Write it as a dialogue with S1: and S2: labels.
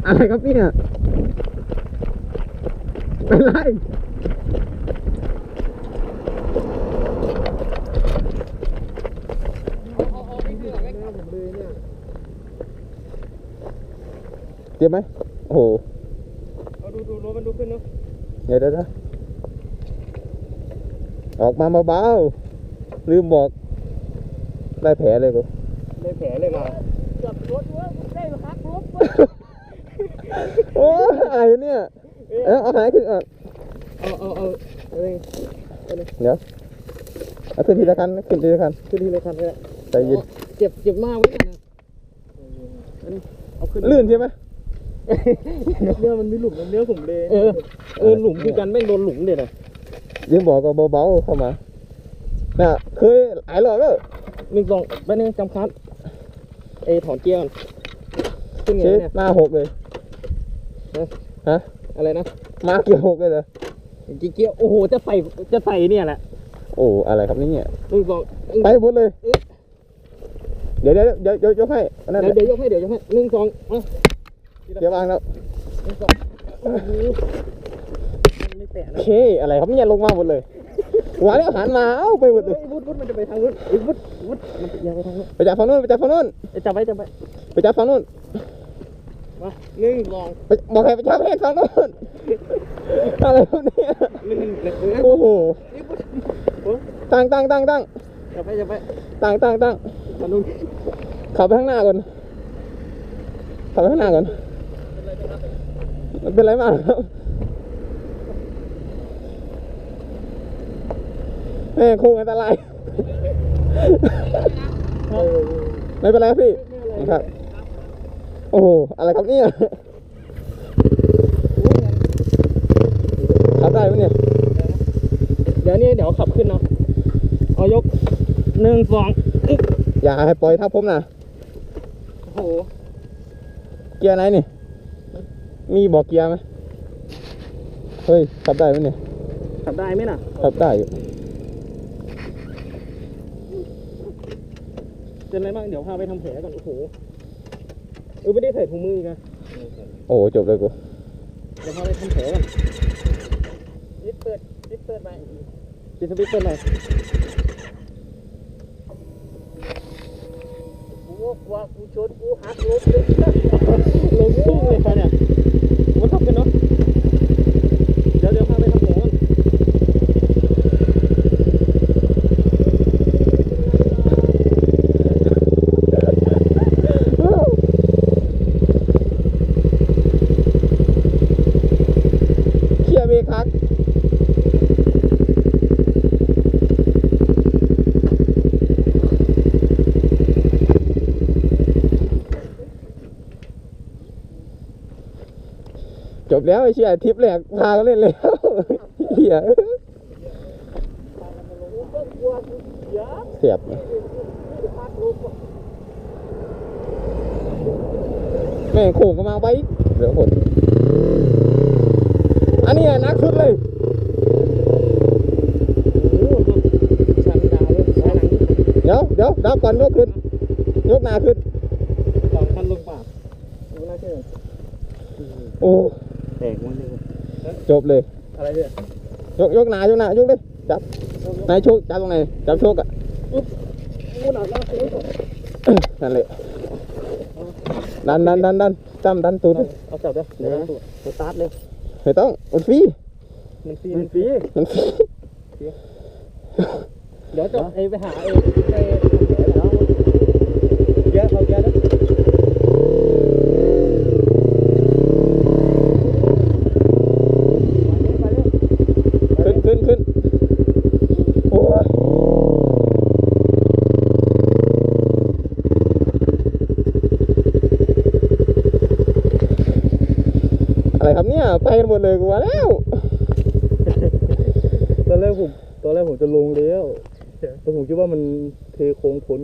S1: อะไรครับเนี่ยเป็นไรเจ็บไหมโอ้โห
S2: เอาดูรถมันดูขึ้นเนาะ
S1: เดี๋ยวออกมาเบาๆลืมบอกได้แผลเลยกู
S2: ได้แผลเลยมาจับรถว่าได้หักลบ
S1: โอ้อะไรเนี่ยเอาหายขึ้น
S2: เอา
S1: เดี๋ยวเอาขึ้นทีละคันขึ้นทีละคัน
S2: เลย
S1: ใจเย็น
S2: เจ็บมากเลยนะเอาขึ้น
S1: ลื่นใช่ไหม
S2: เนื้อมันมีหลุมเนื้อผมเลยหลุมคือกันไม่โดนหลุมเลยนะ
S1: ยังบอกก็เบาๆเข้ามาน่ะเคยหลายรอบแล้ว
S2: 1 2ไปนึงจำคัดถอนเกียร์ขึ้นไงเนี่ย
S1: มา6เลยฮะ
S2: อะไรนะ
S1: มาเกียร์6เลยเหรอ
S2: เกียร์โอ้โหจะใส่เนี่ยแหละ
S1: โอ้อะไรครับนี่เนี่ย
S2: 1 2
S1: ไปหมดเลยเดี๋ยวยกให้
S2: เดี๋ยวยกให้1 2
S1: เดี๋ยววางแล้ว
S2: 1 2ไม่แตะนะ
S1: โอเคอะไรครับเนี่ยลงมาหมดเลยหัวแล้วหันมาเอ้าไปหมดเลย
S2: วุฒิมันจะไปทางนู้นวุฒิมันยังไปทางนู้น
S1: ไปจับฝั่งนู้น
S2: จับไว้
S1: ไปจับฝั่งนู้น
S2: มา1 2
S1: บอกให้ไปจับให้ฝั่งนู้นอะไรพวกนี้โอ้โหตั้ง
S2: จับไป
S1: ตั้งขับไปข้างหน้าก่อนมันเป็นไรมากครับแม่โค้งอันตรายไม่เป็นไรพี่ครับโอ้โหอะไรครับเนี่ยขับได้ไหมเนี่ย
S2: เดี๋ยวขับขึ้นเนาะเอายก1 2
S1: อย่าให้ปล่อยทับผมนะ
S2: โอ้โห
S1: เกียร์ไหนนี่มีบอกเกียร์ไหมเฮ้ยขับได้ไหมเนี่ย
S2: ขับได้ไหมน่ะ
S1: ขับได้อยู่
S2: เป็นไรบ้างเดี๋ยวพาไปทำแผลก่อนโอ้โหไม่ได้ใส่ถุงมืออีกนะ
S1: โอ้จบเลยกู
S2: เดี๋ยวพาไปทำแผลก่อนปิดเปิดไปปิดสวิตช์เปิดไปกูชนกูหักลบเลยลงทุ่งเลยค่ะเนี่ยมันทำกันเนาะเดี๋ยวพาไปทำแผลก่อน
S1: เบรกคักจบแล้วไอ้เชี่ยทริปแรกพาเขาเล่นแล้วเหี้ยเสียบแม่งโค้งก็มาไปเหลือคนอันนี้นักสุดเลยเดี๋ยวดับก่อนยกขึ้นยกหน้าขึ้น
S2: 2 คันลงป่าดูน่าเชื่อ
S1: โอ้
S2: แตกมันเลย
S1: จบเลย
S2: อะไรเนี่ย
S1: ยกหน้ายกเลยจับนายโชคจับตรงไหนจับโชคอ่ะนั่นเลยดันตูด
S2: เอาจับด้วยเดี๋ยวสตาร์ทเลย
S1: ไม่ต้องมันฟรี
S2: เดี๋ยวจะไปหาเยอะเขาเยอะนะ
S1: ขึ้นโอ้ยอะไรครับเนี่ยไปกันหมดเลยกูว่าแล้ว
S2: ตอนแรกผมจะลงแล้วแต่ผมคิดว่ามันเทโค้งพ้น